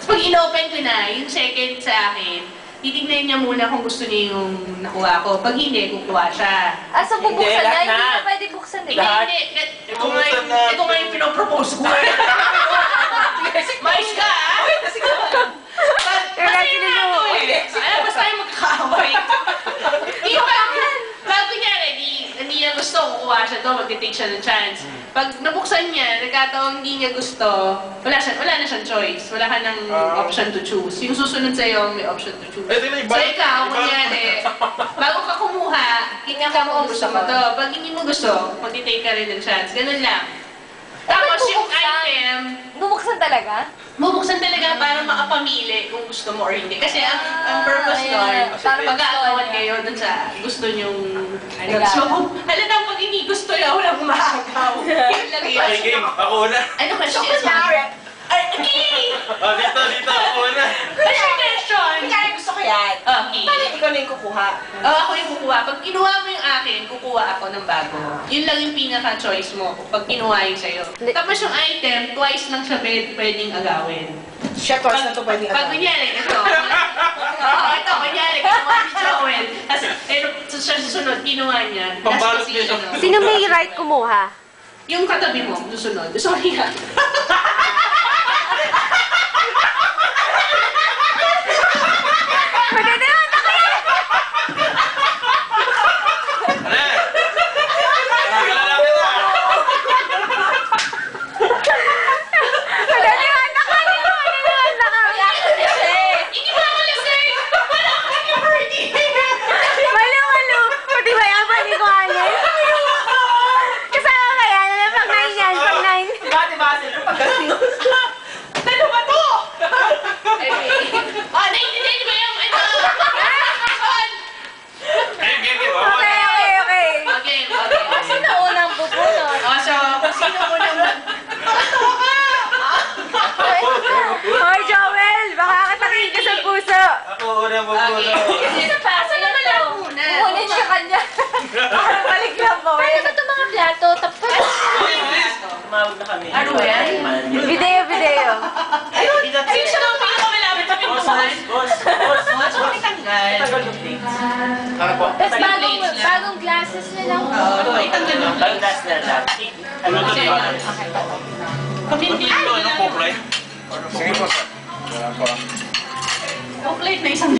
Pag in-open ko na, yung second sa akin, titignan niya muna kung gusto niya yung nakuha ko. Pag hindi, kukuha siya. So bubuksan na? Hindi na pwede buksan, di ba? Hindi. Ito nga yung pinopropose ko. Mais ka, ah? Basta yung magkakaway. Bago niya, hindi niya gusto, kukuha siya to, mag-take siya ng chance. Pag nabuksan niya, nagkataong hindi niya gusto, wala na siyang choice. Wala ka ng option to choose. Yung susunod sa'yo, may option to choose. So ikaw, kunyari, bago ka kumuha, tingnan ka kung gusto mo to. Pag hindi mo gusto, mag-take ka rin ng chance. Ganun lang. Tapos yung item, bubuksan talaga? bubuksan talaga para makapamili kung gusto mo or hindi. Kasi ang purpose doon, mag-aagawan kayo dun sa gusto nyong so, halata pag hindi gusto niya, walang maagaw. Yun lang yun. Ay, game. Ako na. Ano question? Okay! Dito, ako na. What's your question? Kaya gusto ko yan. Okay. Bakit ikaw na yung kukuha? Ako yung kukuha. Pag kinuha mo yung akin, kukuha ako ng bago. Yun lang yung pinaka-choice mo pag kinuha yung sa'yo. Tapos yung item, twice lang siya pwedeng agawin. Siya, twice na ito pwedeng Pag kunyari, ito. Ito, kunyari, kinuha ni Joel. Tapos, siya susunod, kinuha niya. Pambalot niya siya. Sino may right kumuha? Yung katabi mo, susunod. Sorry ha. Tumawag na kami. Ano yan? Video. Sino siya lang pinakamalapit sa pintuan? Boss. Ano may tanggal? Ano po? Tapos bagong glasses na lang. May tanggal yung Bagong gas na lang. Ano to diba? Kami hindi Ano po, pre? Sige po, sir. Wala po. Chocolate na isang